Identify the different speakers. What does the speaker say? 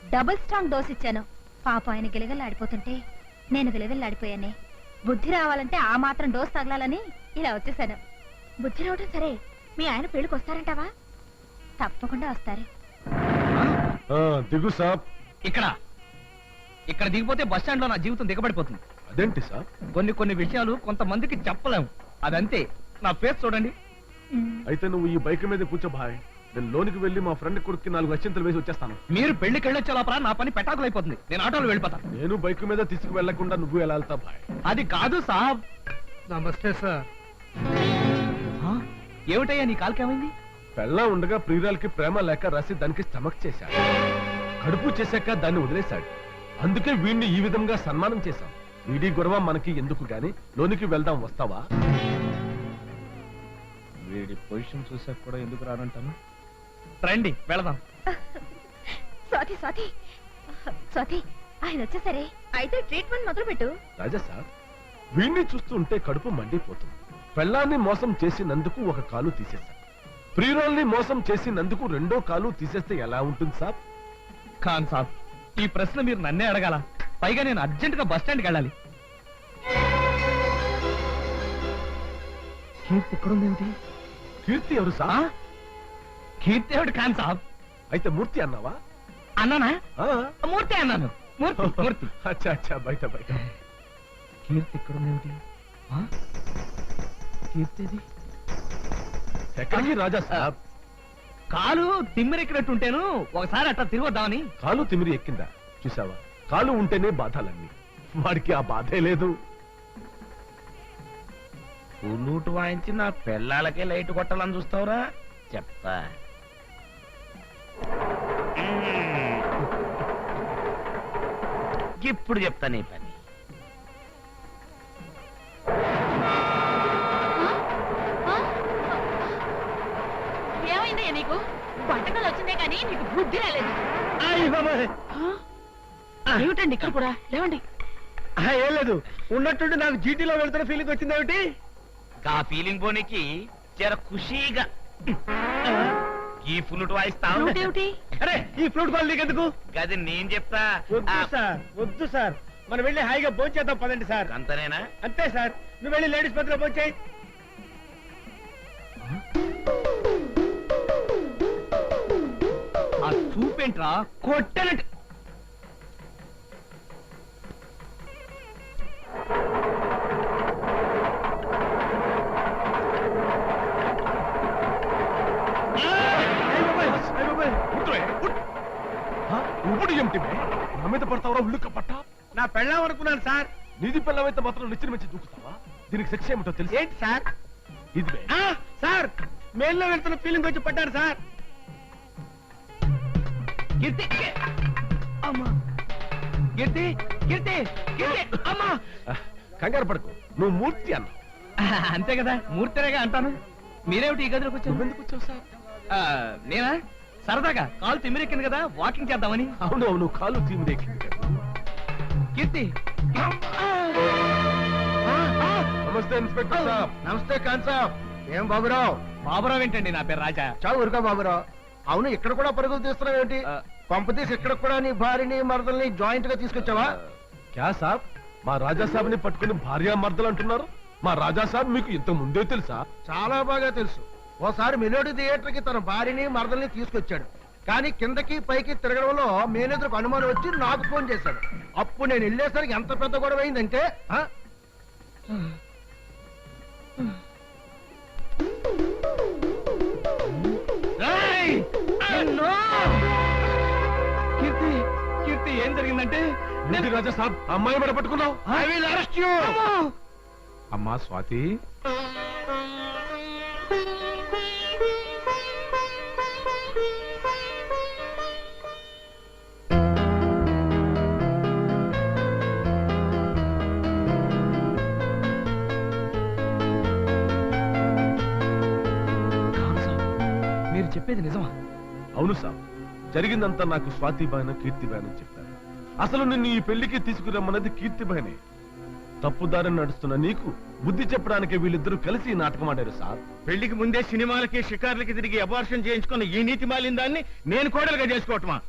Speaker 1: Double strong dose ఇచ్చాను. పాప ఆయన గిలగల్లాడిపోతుంటే నేను గిలగల్లాడిపోయానే. బుద్ధి రావాలంటే ఆ మాత్రం డోస్ తగలాలని ఇలా వచ్చేసాను. బుద్ధి రావడం సరే, మీ ఆయన పెళ్లికి వస్తారంటావా? తప్పకుండా వస్తారు.
Speaker 2: దిగు సాబ్.
Speaker 3: ఇక్కడ దిగిపోతే బస్ స్టాండ్ లో నా జీవితం దిగబడిపోతుంది.
Speaker 2: అదేంటి సాబ్?
Speaker 3: కొన్ని విషయాలు కొంతమందికి చెప్పలేము. అదంతే. నా ఫేస్ చూడండి.
Speaker 2: అయితే నువ్వు ఈ బైక్ మీద కూర్చో భాయ్. నేను లోనికి వెళ్ళి మా ఫ్రెండ్ కొడుకు 4 అత్యంతలు వేసి వచ్చేస్తాను.
Speaker 3: మీరు పెళ్లికి వెళ్ళొచ్చే లోపల నా పని పెటాకులు అయిపోతుంది. నేను ఆటోలో వెళ్ళిపోతా.
Speaker 2: నేను బైక్ మీద తీసుకు వెళ్లకుండా నువ్వు ఎలా వెళ్తా భాయ్?
Speaker 3: అది కాదు సాబ్.
Speaker 4: నమస్తే సార్.
Speaker 3: ఏమిటయ్యా నీ కాలుకేమైంది?
Speaker 2: పెళ్ళ ఉండగా ప్రియురాలకి ప్రేమ లేక రాసి దానికి స్టమక్ చేశాడు. కడుపు చేశాక దాన్ని వదిలేశాడు. అందుకే వీడిని ఈ విధంగా సన్మానం చేశాం. వీడి గొడవ మనకి ఎందుకు గాని లోనికి వెళ్దాం, వస్తావా?
Speaker 3: వీడి పొజిషన్ చూసాక కూడా ఎందుకు రానంటాను. రండి వెళదాం.
Speaker 1: స్వాతి స్వాతి స్వాతి, ఆయన వచ్చేసరే. అయితే ట్రీట్మెంట్ మొదలు పెట్టు.
Speaker 2: రాజా సార్, వీడిని చూస్తుంటే కడుపు మండిపోతుంది. పెళ్ళాన్ని మోసం చేసినందుకు ఒక కాలు తీసేశాం. ప్రియురాల్ని మోసం చేసినందుకు 2వ కాలు తీసేస్తే ఎలా ఉంటుంది సాబ్?
Speaker 3: ఖాన్ సాబ్, ఈ ప్రశ్న మీరు నన్నే అడగాల. పైగా నేను అర్జెంట్ గా బస్ స్టాండ్కి వెళ్ళాలి. కీర్తి ఎక్కడుందేమిటి?
Speaker 2: కీర్తి ఎవరు సాబ్?
Speaker 3: కీర్తి ఎవడు ఖాన్ సాబ్?
Speaker 2: అయితే మూర్తి అన్నావా?
Speaker 3: అన్నానా? మూర్తి అన్నాను. మూర్తి.
Speaker 2: అచ్చా అచ్చా, బయట బయట.
Speaker 3: కీర్తి ఎక్కడుందేమిటి? కీర్తిది
Speaker 2: ఎక్కడికి రాజా సాబ్?
Speaker 3: కాలు తిమ్మిరెక్కినట్టుంటేను ఒకసారి అట్లా తిరిగొద్దామని.
Speaker 2: కాలు తిమిరి ఎక్కిందా? చూసావా, కాలు ఉంటేనే బాధాలన్నీ. వాడికి ఆ బాధే లేదు.
Speaker 5: పుల్లూటు వాయించి నా పిల్లలకే లైట్ కొట్టాలని చూస్తావురా? చెప్తా. ఇప్పుడు చెప్తా నీ పని.
Speaker 1: ఏమైందయ్యా నీకు? వంటకాలు వచ్చిందే కానీ నీకు బుద్ధి రాలేదు. ఏమిటండి ఇక్కడ కూడా? లేవండి.
Speaker 4: ఏం లేదు, ఉన్నట్టుండి నాకు జీటీలో వెళ్తున్న ఫీలింగ్ వచ్చిందేమిటి?
Speaker 5: ఆ ఫీలింగ్ పోనీకి జర ఖుషీగా ఈ ఫ్లూట్ వాయిస్తావు.
Speaker 4: అరే, ఈ ఫ్లూట్ కాల్ నీకెందుకు?
Speaker 5: గది నేను చెప్తా.
Speaker 4: వద్దు సార్, మనం వెళ్ళి హాయిగా భోంచేద్దాం పదండి సార్.
Speaker 5: అంతనేనా?
Speaker 4: అంతే సార్, నువ్వు వెళ్ళి లేడీస్ పత్రిక భోంచేయి.
Speaker 3: ఆ చూపేంట్రా కొట్టనట్టు.
Speaker 2: ఇప్పుడు ఏమిటి నా మీద పడతావరా? ఉళ్ళుక్క పట్ట.
Speaker 4: నా పెళ్ళాం అనుకున్నాను సార్.
Speaker 2: నీది పెళ్ళమైతే మాత్రం నిచ్చిన మంచి దూకుతావా? దీనికి శిక్ష ఏమిటో తెలుసు?
Speaker 4: ఏంటి సార్?
Speaker 2: ఇది
Speaker 4: సార్, మేల్లో వెళ్తున్న ఫీలింగ్ వచ్చి పడ్డారు సార్.
Speaker 3: కీర్తి అమ్మా, కీర్తి కీర్తి కీర్తి అమ్మా.
Speaker 2: కంగారు పడకు, నువ్వు మూర్తి అన్నావు.
Speaker 3: అంతే కదా, మూర్తిరేగా అంటాను. మీరేమిటి ఈ గదిలోకి వచ్చారు?
Speaker 2: ఎందుకు వచ్చావు సార్?
Speaker 3: నేనా సరదాగా కాలు తిమ్మిరెక్కింది కదా, వాకింగ్ చేద్దామని.
Speaker 2: అవును అవును, కాలు తిమ్మిరెక్కింది కదా.
Speaker 3: కీర్తి.
Speaker 2: నమస్తే ఇన్స్పెక్టర్ సాబ్.
Speaker 4: నమస్తే ఖాన్ సాబ్. ఏం బాబురావు?
Speaker 3: బాబురావు ఏంటండి? నా పేరు రాజా.
Speaker 4: చావు ఊరుకో బాబురావు. అవును, ఇక్కడ కూడా పరుగులు తీస్తున్నావు ఏంటి? పంపతీసి ఇక్కడ కూడా నీ భార్యని మరదల్ని జాయింట్ గా తీసుకొచ్చావా?
Speaker 2: క్యా సాబ్, మా రాజా సాబ్ ని పట్టుకుని భార్యా మర్దలు అంటున్నారు? మా రాజా సాబ్ మీకు ఇంత ముందే తెలుసా?
Speaker 4: చాలా బాగా తెలుసు. ఓసారి మెలోడీ థియేటర్ కి తన భార్యని మరదల్ని తీసుకొచ్చాడు. కానీ కిందకి పైకి తిరగడంలో మేనేజర్కు అనుమానం వచ్చి నాకు ఫోన్ చేశాడు. అప్పుడు నేను వెళ్ళేసరికి ఎంత పెద్ద గొడవ అయిందంటే
Speaker 3: కీర్తి కీర్తి ఏం జరిగిందంటే,
Speaker 2: రాజా సాబ్ అమ్మాయి మీద పట్టుకున్నావు.
Speaker 4: I will arrest you.
Speaker 2: అమ్మా స్వాతి,
Speaker 3: మీరు చెప్పేది నిజమా?
Speaker 2: అవును సాబ్, జరిగిందంతా నాకు స్వాతిబాయన కీర్తిబాయన చెప్పారు. అసలు నిన్ను ఈ పెళ్లికి తీసుకురమ్మన్నది కీర్తిబాయనే. తప్పుదారిని నడుస్తున్న నీకు బుద్ధి చెప్పడానికి వీళ్ళిద్దరూ కలిసి ఈ నాటకం ఆడారు సార్.
Speaker 4: పెళ్లికి ముందే సినిమాలకి షికార్లకి తిరిగి అబార్షన్ చేయించుకున్న ఈ నీతి మాలిన దాన్ని నేను కోడలుగా చేసుకోవటమా?